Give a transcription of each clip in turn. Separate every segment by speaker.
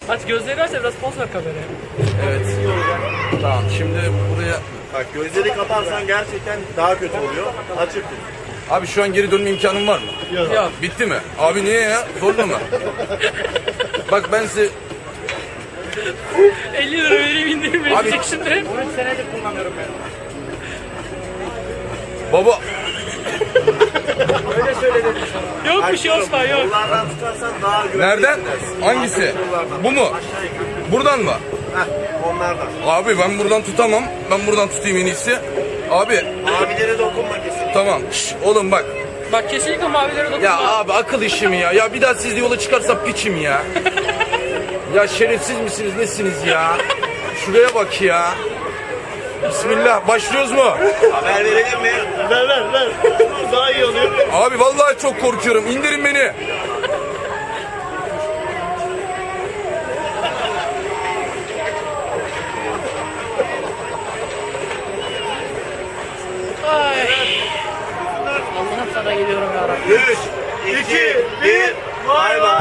Speaker 1: Aç gözlerini aç da biraz poz ver kameraya.
Speaker 2: Evet. Tamam şimdi buraya...
Speaker 3: Bak gözleri kaparsan gerçekten daha kötü oluyor. Açık tut.
Speaker 2: Abi şu an geri dönme imkanım var mı?
Speaker 1: Yok.
Speaker 2: Bitti mi? Abi niye ya? Zorla mı? Bak ben size...
Speaker 1: 50 lira vereyim indirim verecek şimdi.
Speaker 3: 13 senedir kullanıyorum ben.
Speaker 2: Baba...
Speaker 3: Öyle söyledim sana.
Speaker 1: Yok bir şey Osman yok.
Speaker 3: Kollardan tutarsan daha güvenli
Speaker 2: Nereden?
Speaker 3: hissedersin.
Speaker 2: Hangisi?
Speaker 3: Kollardan.
Speaker 2: Bu mu?
Speaker 3: Aşağı yukarı.
Speaker 2: Buradan mı?
Speaker 3: Heh, onlardan.
Speaker 2: Abi ben buradan tutamam. Ben buradan tutayım en iyisi. Abi
Speaker 3: Mavilere dokunma kesinlikle.
Speaker 2: tamam. Şş, oğlum bak.
Speaker 1: Bak kesinlikle mavilere dokunma.
Speaker 2: Ya abi akıl işi mi ya? Ya bir daha siz de yola çıkarsa piçim ya. Ya şerefsiz misiniz nesiniz ya? Şuraya bak ya. Bismillah başlıyoruz mu?
Speaker 3: Haber verelim mi? Ver. Daha iyi oluyor.
Speaker 2: Abi vallahi çok korkuyorum. İndirin beni.
Speaker 1: Ay. Allah'ım sana geliyorum ya Rabbi.
Speaker 3: 3, 2, 1, bay bay.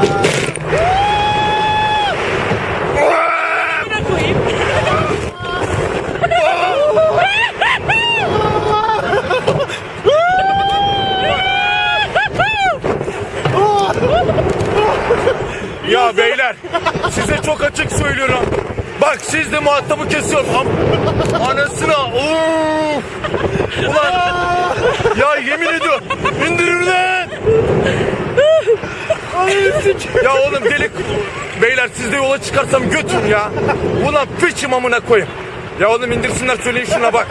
Speaker 1: Yine koyayım.
Speaker 2: Ya beyler size çok açık söylüyorum. Bak siz de muhatabı kesiyorum. Anasına. Of. Ulan. Ya yemin ediyorum. İndirin lan. Ya oğlum delik. Beyler siz de yola çıkarsam götür ya. Ulan piçim amına koyayım. Ya oğlum indirsinler söyleyin şuna bak.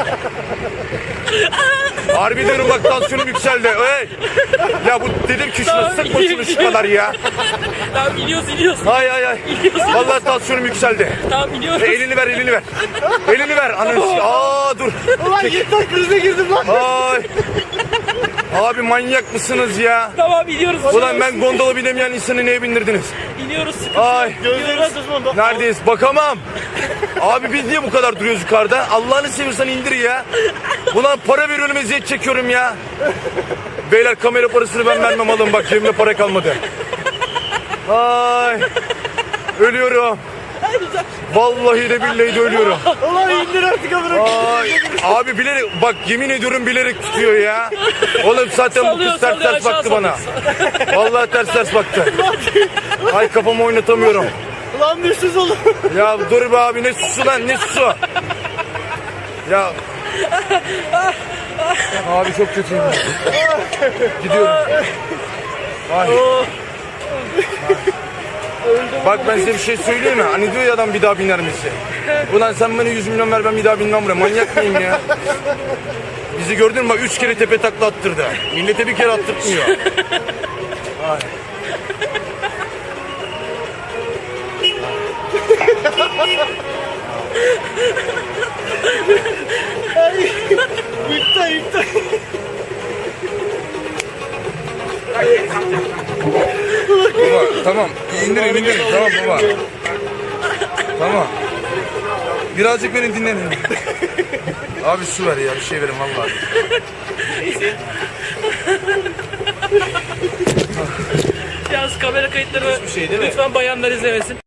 Speaker 2: Harbi diyorum bak tansiyonum yükseldi. Hey. Ya bu dedim ki şuna sıkma şunu şu kadar ya.
Speaker 1: Tamam iniyoruz.
Speaker 2: Ay. Vallahi tansiyonum yükseldi.
Speaker 1: Tamam iniyoruz.
Speaker 2: Elini ver. Elini ver. Ananı. Aa dur.
Speaker 3: Ulan yeter krize girdim lan.
Speaker 2: Ay. Abi manyak mısınız ya?
Speaker 1: Tamam iniyoruz.
Speaker 2: Ulan ben gondola binemeyen insanı neye bindirdiniz?
Speaker 1: İniyoruz. Sıkıntı.
Speaker 2: Ay.
Speaker 3: Gözlerini tutma.
Speaker 2: Neredeyiz? Bakamam. Abi biz niye bu kadar duruyoruz yukarıda? Allah'ını seviyorsan indir ya. Ulan para veriyorum eziyet çekiyorum ya. Beyler kamera parasını ben vermem alın bak cebimde para kalmadı. Ay. Ölüyorum. Vallahi de billahi de ölüyorum.
Speaker 3: Ulan indir artık amına.
Speaker 2: Ay. Abi bilerek bak yemin ediyorum bilerek tutuyor ya. Oğlum zaten bu
Speaker 1: Sallıyor,
Speaker 2: kız ters
Speaker 1: sallıyor,
Speaker 2: ters
Speaker 1: aşağı
Speaker 2: baktı bana. Vallahi ters baktı. Ay kafamı oynatamıyorum.
Speaker 3: Ulan düşsüz oğlum.
Speaker 2: Ya dur be abi ne susu lan ne susu. Ya. Abi çok kötüyüm. Gidiyorum. Ay. Bak ben size bir şey söyleyeyim mi? Hani diyor ya adam bir daha biner misin? Ulan sen bana 100 milyon ver ben bir daha binmem buraya. Manyak mıyım ya? Bizi gördün mü bak 3 kere tepe takla attırdı. Millete bir kere attırtmıyor. Ay.
Speaker 3: Yükta.
Speaker 2: Baba tamam indirin tamam baba. Tamam. Birazcık beni dinlenin. Abi su ver ya bir şey verin vallahi.
Speaker 1: Yalnız kamera kayıtları
Speaker 3: şey değil mi?
Speaker 1: lütfen bayanlar izlemesin.